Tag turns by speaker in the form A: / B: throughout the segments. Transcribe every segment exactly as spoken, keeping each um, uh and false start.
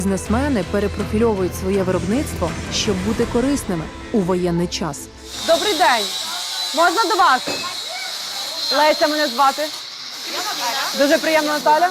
A: Бізнесмени перепрофільовують своє виробництво, щоб бути корисними у воєнний час.
B: Добрий день. Можна до вас? Леся мене звати. Дуже приємно, Наталя.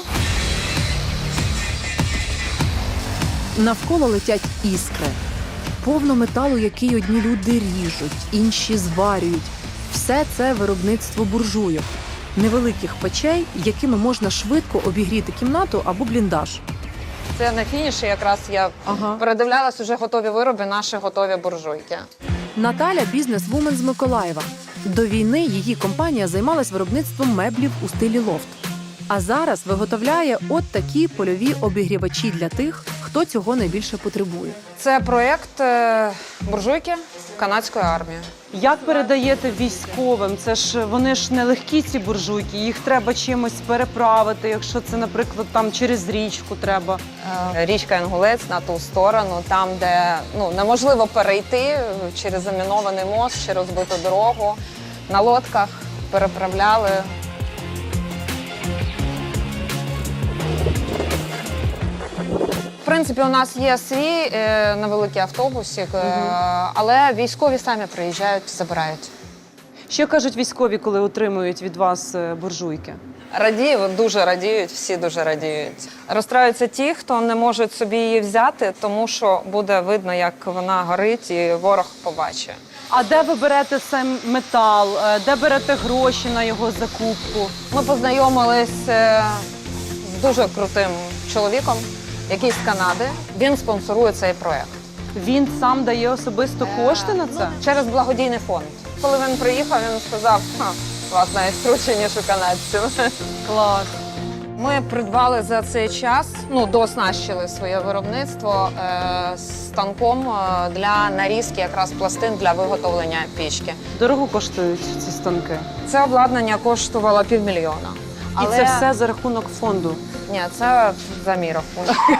A: Навколо летять іскри. Повно металу, який одні люди ріжуть, інші зварюють. Все це виробництво буржуйок. Невеликих печей, якими можна швидко обігріти кімнату або бліндаж.
B: Це на фініші якраз я
A: Ага.
B: передивлялась уже готові вироби, наші готові буржуйки.
A: Наталя – бізнес-вумен з Миколаєва. До війни її компанія займалась виробництвом меблів у стилі лофт. А зараз виготовляє от такі польові обігрівачі для тих, хто цього найбільше потребує.
B: Це проєкт е, буржуйки канадської армії.
C: Як передаєте військовим? Це ж вони ж не легкі, ці буржуйки, їх треба чимось переправити, якщо це, наприклад, там через річку треба.
B: Е, Річка Інгулець на ту сторону, там, де ну, неможливо перейти через замінований мост, через розбиту дорогу. На лодках переправляли. В принципі, у нас є свій е, невеликий автобусик, е, але військові самі приїжджають, забирають.
C: Що кажуть військові, коли отримують від вас е, буржуйки?
B: Радіють, дуже радіють, всі дуже радіють. Розстраюються ті, хто не можуть собі її взяти, тому що буде видно, як вона горить, і ворог побачить.
C: А де ви берете сам метал? Е, Де берете гроші на його закупку?
B: Ми познайомились е, з дуже крутим чоловіком, який з Канади. Він спонсорує цей проєкт.
C: Він сам дає особисто кошти на це?
B: Через благодійний фонд. Коли він приїхав, він сказав, ха, у вас навіть круче, ніж у канадців.
C: Клас.
B: Ми придбали за цей час, ну, дооснащили своє виробництво е, станком е, для нарізки якраз пластин для виготовлення пічки.
C: Дорого коштують ці станки?
B: Це обладнання коштувало півмільйона.
C: І це все за рахунок фонду?
B: Ні, це за мій рахунок.